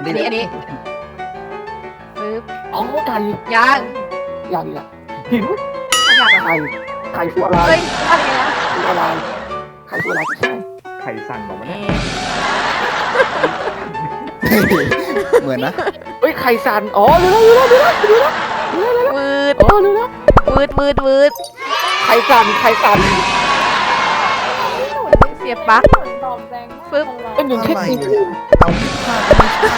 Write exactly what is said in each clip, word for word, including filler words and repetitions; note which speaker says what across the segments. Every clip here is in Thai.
Speaker 1: อันนี้อันนี้ปึ๊บ
Speaker 2: อ๋อไก่
Speaker 1: ยาง
Speaker 2: ยังอ่ะหิน
Speaker 1: อยาก
Speaker 2: ไข่ไข่ตัวอะไร
Speaker 1: เฮ้ยอะไรนะ
Speaker 2: ตัวอะไรไข่ตัวอะไรใช่
Speaker 3: ไข่สั่นบอกว่า
Speaker 1: เอ
Speaker 3: เนี่ย
Speaker 4: เหมือนนะ
Speaker 2: เฮ้ยไข่สันอ๋อรู้แล้วรู้แล้วรู้แล้วรู้แล้ว
Speaker 1: มืด
Speaker 2: อ๋อรู้แล้ว
Speaker 1: มืดมืดมืด
Speaker 2: ไข่สันไข่สัน
Speaker 1: เสียบปลั๊กปึ๊บ
Speaker 2: เป็นหนึ่งแค่ที
Speaker 4: เอาไม่พลาดไม่ใช่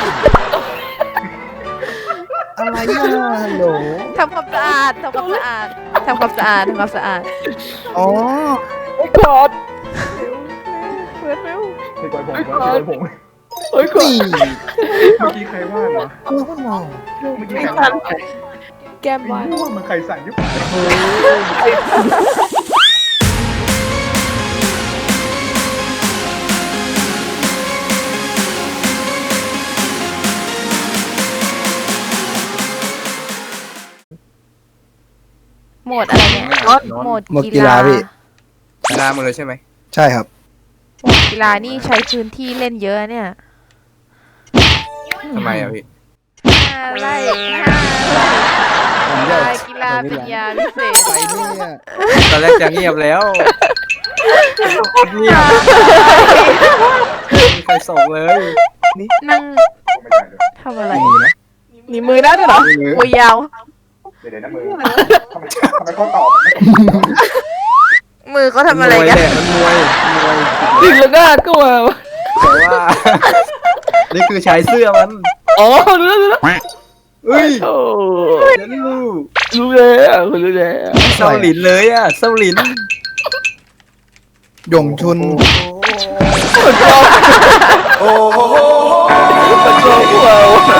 Speaker 4: อะไรอ่ะฮัลโหล
Speaker 1: ทำความสะอาดทำความสะอาดทำความสะอาดทำความสะอาด
Speaker 4: อ๋อ
Speaker 2: ไอ้กอด
Speaker 1: เปิดเร็ว
Speaker 3: พี่กอยผมพี่กอยผม
Speaker 2: เฮ้ยกอด
Speaker 4: นี่
Speaker 3: เมื่อกี้ใครว่าเหรอ
Speaker 4: เออว่ามอง
Speaker 3: เมื่อกี้ใครว่า
Speaker 1: แก้มไว้
Speaker 3: ไอ้ว่ามันไข่สั่นยุบ
Speaker 1: โหมดอะไรเนี่ยโหมด
Speaker 4: หมด
Speaker 1: กี
Speaker 4: กีฬา
Speaker 1: ฬา
Speaker 4: พี่
Speaker 5: กีฬาหมดเลยใช่ไหม
Speaker 4: ใช่ครับ
Speaker 1: โหมดกีฬานี่ใช้พื้นที่เล่นเยอะเนี่ย
Speaker 5: ทำไมอ่ะพี่
Speaker 1: ห้าไร่ห้าไร่กีฬาเป็นยาพิเศษ
Speaker 4: ไปเนี่ย
Speaker 5: ตอนแรกจะเงียบแล้วเงียบไม่มีใครส่งเลย
Speaker 1: นั่ง
Speaker 3: ไม่ใช่เลย
Speaker 1: ทำอะไร
Speaker 4: มือนะ
Speaker 1: หนีมือได้ด้วยเหรอ
Speaker 4: มือ
Speaker 1: มือยาว
Speaker 3: เดี๋ยวเดี๋ยวนะมือทำไมทำไมเขาตอบ
Speaker 1: มือเขาทำอะไร
Speaker 5: มวย
Speaker 1: กัน
Speaker 5: แหละมันมวยมวย
Speaker 2: ดิ่งแล้วหน้าก็มา
Speaker 5: แต่ว่า นี่คือชายเสื้อมัน
Speaker 2: อ๋อรู้แล้วรู้แล้ว
Speaker 5: เฮ้ย
Speaker 2: โอ้
Speaker 5: เดี๋ยวรู้
Speaker 2: รู้แล้วรู้แล้ว
Speaker 5: เศร้าหลินเลยอ่ะเศร้าหลิน
Speaker 4: หยงชุน
Speaker 5: โอ้โห
Speaker 2: มันโชว์หัว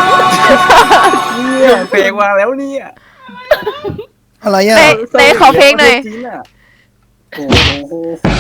Speaker 5: เนี่ยเพลงวางแล้วเนี่ย
Speaker 4: อะไรอ่ะ
Speaker 1: เตะเตะขอเพลงหน่อย
Speaker 5: จริงอะโอ้โห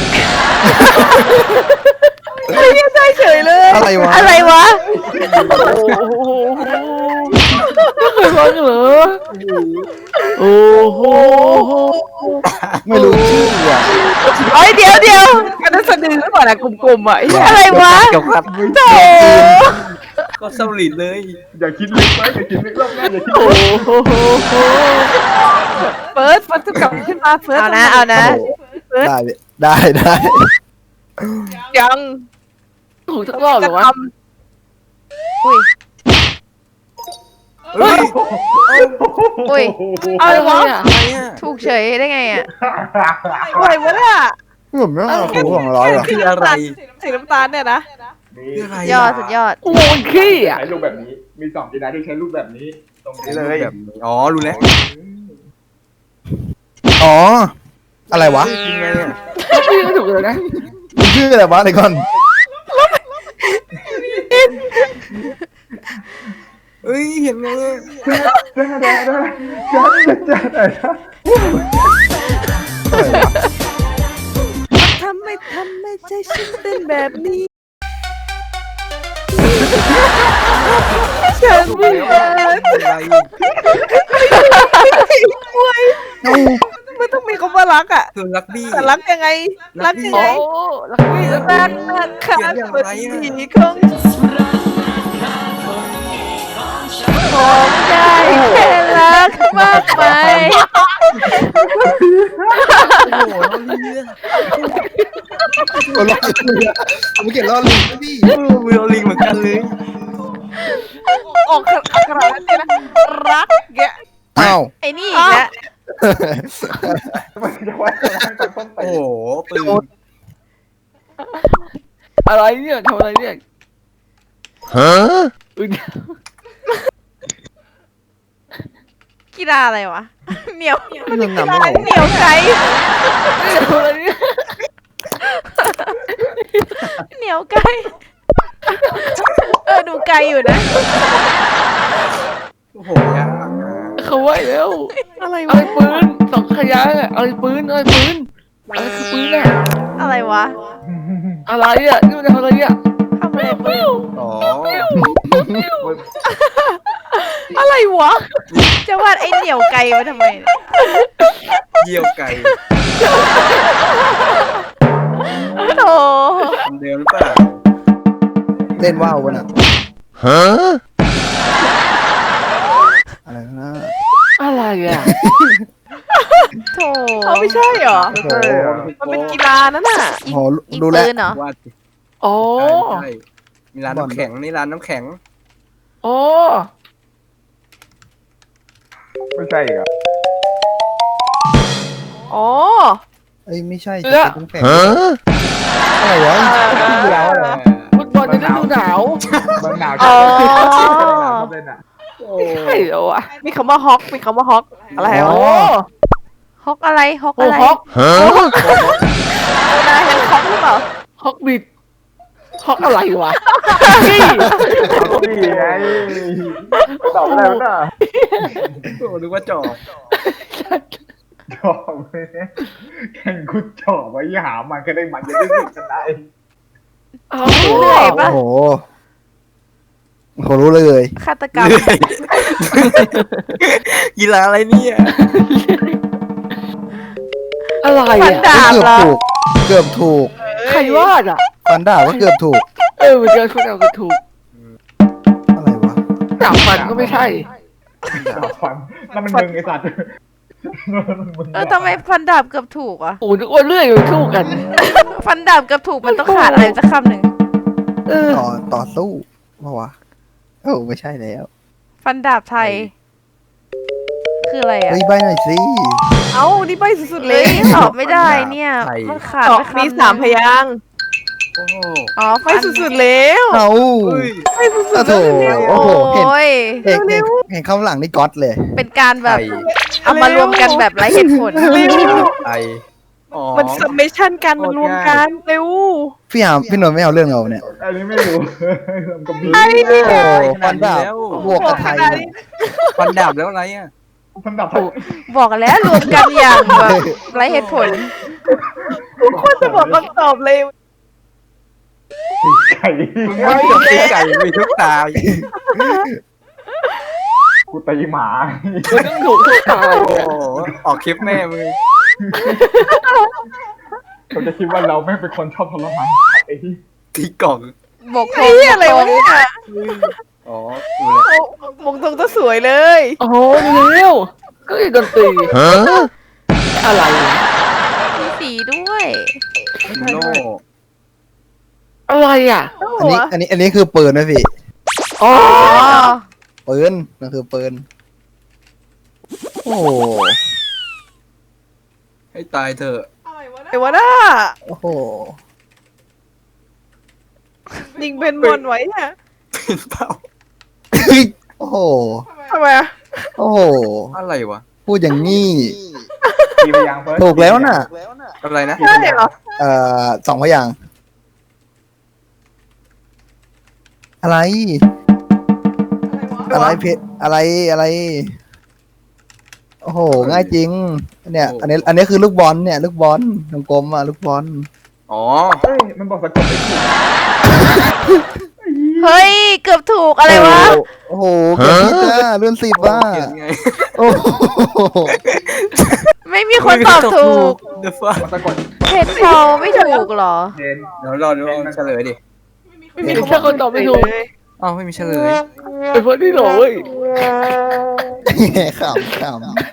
Speaker 1: ได้เฉยเลย
Speaker 4: อะไรวะ
Speaker 1: อะไรวะ
Speaker 2: โอ้โหไม่เคยฟังเหรอโอ้โห
Speaker 4: ไม่รู้ชื่ออ่ะ
Speaker 1: เอ้ยเดี๋ยวเดี๋ยว
Speaker 2: กันนั้นสะดือหรือเปล่านะกลมๆอ่ะไอ้
Speaker 1: อะไรวะ
Speaker 5: เกี่ยวกับ
Speaker 1: โถ
Speaker 5: ก็เศร้าหลินเลย
Speaker 3: อย่าคิดลึกไว้อย่าคิดลึกรอบหน้าอย่าคิด
Speaker 2: โอ้
Speaker 3: ลึก
Speaker 2: โห
Speaker 6: เฟิร์สมันจะกลับขึ้นมาเฟิร์ส
Speaker 1: เอานะเอานะ
Speaker 4: ได้ได้ได้
Speaker 6: ยัง
Speaker 2: ถูกทั้งรอบเหร
Speaker 6: จะ
Speaker 2: อวะ
Speaker 6: ท
Speaker 1: อุ้ย
Speaker 5: เฮ้ย
Speaker 1: อุ้ย
Speaker 6: ำอะไรวะ
Speaker 5: อะไรอ่ะ
Speaker 1: ถูกเฉยได้ไงอ่ะ
Speaker 6: อะไรวะเนี่ย
Speaker 4: ผมไม่เอาคูของร้อยหรอ
Speaker 5: คืออะไร
Speaker 6: สีน้ำตาลเนี่ยนะ
Speaker 5: คืออะไร
Speaker 1: ยอดสุดยอด
Speaker 2: โอ้ยขี้อ่ะ
Speaker 3: ใช้รูปแบบนี้ มีสองกีฬาที่ใช้รูปแบบนี้ ตรงนี้เลย
Speaker 5: แบบนี้อ๋อรู้แล้ว
Speaker 4: อ๋อ อะไรวะ
Speaker 5: ยังไงอ่ะ
Speaker 2: พี่ก็ถูกเลยนะ
Speaker 4: มันชื่ออะไรวะไอ้ก่อน
Speaker 5: เฮ้ยเห็นไงอะ
Speaker 3: ได้ได้ได้ได้ได้ได้
Speaker 4: อะไรวะ
Speaker 6: ทำไมทำไมใจฉันเป็นแบบนี้ ฉันไม่
Speaker 5: รู้แล้วอะไร
Speaker 4: เอ้า
Speaker 6: ไม่ต้องมีคำว่ารักอ่ะ
Speaker 5: คือลักบี้
Speaker 6: แต่รักยังไง รักยัง
Speaker 2: โอ้
Speaker 6: ไง
Speaker 2: ลักบี้ลัก
Speaker 6: รัก
Speaker 2: บี้
Speaker 6: รักค่ะ
Speaker 5: เขียนอย่าง
Speaker 6: เปิด
Speaker 5: ไรอะ
Speaker 6: สีของ
Speaker 1: ผมได้แค่รักมากไป
Speaker 5: โอ้โหน้องลีอะ
Speaker 4: คนรอดเลยอะผมเขียนรอดลิงนะพี่
Speaker 5: เออมือเราลิงเหมือนกันเลย
Speaker 6: ออกอักขระนั่นเนี่ยนะรักแก
Speaker 4: อ้าว
Speaker 1: ไอ้นี่อีกแล้ว
Speaker 3: มันจะว่าจะต้องไป
Speaker 5: โอ้โหปืน
Speaker 2: อะไรเนี่ยทำอะไรเนี่ย
Speaker 4: ฮะ
Speaker 2: อุ๊ย
Speaker 1: กีฬาอะไรวะ เหนียว
Speaker 4: ไม่เรื่องนำไม่หรอ
Speaker 1: เหนียวไกล
Speaker 2: ทำอะไรเนี่ย
Speaker 1: เหนียวไกลเออดูไกลอยู่นะ
Speaker 5: โอ้โหยาก
Speaker 2: เขาไว้แล้ว
Speaker 6: อะไร
Speaker 2: อะ
Speaker 6: วะ
Speaker 2: ไรปืนสองขยะอะอะไรปืนอะไรปืนอะไรคือปืนอะ
Speaker 1: อะไรวะ
Speaker 2: อะไรอะนี่มันทำอะไรเนี่ย
Speaker 1: ทำอะไรปืน
Speaker 5: อ๋อ
Speaker 6: อะไรวะ
Speaker 1: จะวาดไอ้เหนียวไกลมาทำไมเนี่ย
Speaker 5: เยี่ยวไก่
Speaker 1: โธ่
Speaker 5: คนเดียวหรือเปล่า
Speaker 4: เล่นว่าวกันอ่ะฮะ
Speaker 6: เขาไม่ใช่เหรอ
Speaker 3: ไม่ใช่เหรอ
Speaker 6: มันเป็นกีฬานั่นน่ะ
Speaker 1: ยิง
Speaker 4: โอ้
Speaker 1: ยิง
Speaker 4: ดูแล
Speaker 1: ปืนเหรอ
Speaker 5: ว่าสิ
Speaker 2: อ๋อ
Speaker 5: ใช่มีร้านน้ำแข็งนี่ร้านน้ำแข็ง
Speaker 2: อ๋อ
Speaker 3: ไม่ใช่อีกอ่ะ
Speaker 6: อ๋อ
Speaker 4: เอ้ยไม่ใช่
Speaker 2: เสื้อ
Speaker 4: จะเป็นแข็งอะไรวะ
Speaker 3: เดียวเหรอ
Speaker 2: ฟุตบอลในฤดูหนาว
Speaker 3: บางหนาว
Speaker 6: อ๋อ
Speaker 3: เล่นอ่ะ
Speaker 2: ใช่เหรอวะ
Speaker 6: มีคำว่าฮอกมีคำว่าฮอกอะไร
Speaker 2: อ๋
Speaker 6: อ๋
Speaker 2: อ
Speaker 6: อ
Speaker 1: ฮอกอะไรฮอก
Speaker 2: โอ้
Speaker 1: อะไร
Speaker 2: ฮอก
Speaker 6: นายเห็นฮอกหรือเปล่า
Speaker 2: ฮอกบิดฮอกอะไรวะ
Speaker 6: นี่
Speaker 3: นี่ไงตอบอะไรวะน่ะ
Speaker 5: โอ้นึกว่าจอบ
Speaker 3: จอบเลยแข่งคุดจอบไว้หามันก็ได้มันจะได้สิชนะเอง
Speaker 2: อ้าว
Speaker 1: เหนื่อย
Speaker 4: โอ้
Speaker 1: ปะ
Speaker 4: โหเขารู้เลย
Speaker 1: ฆาตกรรม
Speaker 5: กีฬาอะไรเนี่ย
Speaker 2: อะไร
Speaker 1: ฟัน
Speaker 2: อ่ะ
Speaker 1: ดาบ
Speaker 4: เกือบ
Speaker 1: เหรอ
Speaker 4: ถูก เกือบถูก
Speaker 2: ใครวาดอ่ะ
Speaker 4: ฟันดาบก็เกือบถูก
Speaker 2: เออมันเจอคุณเอาก็ถูก
Speaker 4: อะไรวะ
Speaker 2: ดาบฟันก็ไม่ใช่
Speaker 3: ดาบฟันนั่นมันมึงไอ้สัตว์นั่นมันมึง
Speaker 1: เออทำไมฟันดาบเกือบถูกอ่ะ
Speaker 2: โอ้นึกว่าเลื่อยอยู่สู้กัน
Speaker 1: ฟันดาบเกือบถูกมันต้องขาดอะไรสักคำหนึ่ง
Speaker 2: เออ
Speaker 4: ต่อต่อสู้เพราะวะโอ้ไม่ใช่แล้ว
Speaker 1: ฟันดาบไทย คืออะไรอ่ะ
Speaker 4: เฮ้ยใบหน่อยสิ
Speaker 6: เอ้านี่ใบสุดๆเล
Speaker 1: เฮ้
Speaker 6: ย
Speaker 1: ยตอบไม่ได้เนี่ย มันขาด
Speaker 6: ตอ
Speaker 1: ไป
Speaker 6: บ
Speaker 1: คำห
Speaker 6: มี
Speaker 1: นึ่ง
Speaker 6: สามพยางค์
Speaker 5: โอ้โห
Speaker 1: อ๋อ
Speaker 6: ใบสุดๆแล้ว
Speaker 4: เอา
Speaker 5: เฮ้ย
Speaker 6: ใบสุด
Speaker 4: โอ้
Speaker 6: ๆ
Speaker 4: โห
Speaker 6: แล้ว
Speaker 4: โอ้โหเห็น
Speaker 1: โอ้ย
Speaker 4: เห็นเห็นเห็นข้างหลังนี่ก๊อตเลย
Speaker 1: เป็นการแบบ
Speaker 5: ไทย
Speaker 1: เอามารวมกันแบบไร้เหตุผล
Speaker 5: ไทยอ๋อ
Speaker 6: มันซัมเมชันกันมันรวมกันเร็ว
Speaker 4: พี่หามพี่หนนท์ไม่เอาเรื่องเราเนี่ย
Speaker 3: อันนี้ไม่รู้มันก็มี
Speaker 6: ไอ้นี่
Speaker 4: โอ้
Speaker 6: ไง
Speaker 4: ฟันดาบ บวกกับไทยเนี่ย
Speaker 5: ฟันดาบแล้วอะไรอ่ะ
Speaker 3: มันดับ
Speaker 1: บอกแล้วรวมกันอย่างแบบไร้เหตุผล
Speaker 6: คนจะบอกคำตอบเลย
Speaker 3: ไก่
Speaker 5: ไม่จบที่ไก่มีทุกตา
Speaker 3: กูตีหมา
Speaker 2: มันต้องถูกทุกตาย
Speaker 5: โอ้โหออกคลิปแม่มือ
Speaker 3: เขาจะคิดว่าเราไม่เป็นคนชอบทรมานไอ้ที่
Speaker 5: ที่กล่อง
Speaker 1: บกท
Speaker 6: ไอ้
Speaker 1: ง
Speaker 6: เหี้ยอะไรวะเนี่ย
Speaker 5: อ๋อดูเลย
Speaker 6: มงตรงก็สวยเลย
Speaker 2: โอ้โหเร็วก็อีดนตรีอะไรวะ
Speaker 1: มีสีด้วย
Speaker 5: โน่
Speaker 2: อะไรอ่ะ
Speaker 4: อันนี้อันนี้อันนี้คือปืนนะพี่
Speaker 2: อ๋อ
Speaker 1: อ๋อ
Speaker 4: ปืนนั่นคือปืนโอ้โห
Speaker 5: ให้ตายเถอะ
Speaker 6: ไอ้วะน่า
Speaker 4: โอ้โห
Speaker 6: นิงเป็นบอลไว้เนี่ย
Speaker 5: เป็นเปล่า
Speaker 4: โอ้โห
Speaker 6: ทำไมอะ
Speaker 4: โอ้โห
Speaker 5: อะไรวะ
Speaker 4: พูดอย่างนี้
Speaker 3: ตีไปยังเฟิร์ส
Speaker 4: ถูกแล้วน่ะ
Speaker 5: อะไรนะ
Speaker 6: ใช่เหรอ
Speaker 4: เอ่อสองพยางค์อะไร อะไรเพชรอะไรอะไร โอ้โห ง่ายจริง เนี่ย อันนี้ อันนี้คือลูกบอลเนี่ย ลูกบอลกลมๆอ่ะลูกบอล
Speaker 5: อ๋อ
Speaker 3: เฮ้ยมันบอกสะกดไม่ถูก
Speaker 1: เฮ้ย เกือบถูกอะไรวะ
Speaker 4: โอ้โหเกือบผิดอ่ะเลื่อนสิบว่า
Speaker 5: เขียนไง
Speaker 4: โอ้โห
Speaker 1: ไม่มีคนตอบถูก
Speaker 5: เดอะฟ้า
Speaker 3: มันสะกด
Speaker 1: เพชรพอลไม่ถูกเหรอ
Speaker 3: เจน
Speaker 5: เดี๋ยวรอดูเฉลยดิ
Speaker 6: ไม่มีแค่คนตอบไม่ถูก
Speaker 5: อ้าวไม่มีเฉลย
Speaker 2: ไอ้พวกนี้เหรอเว้ย
Speaker 4: ขำขำ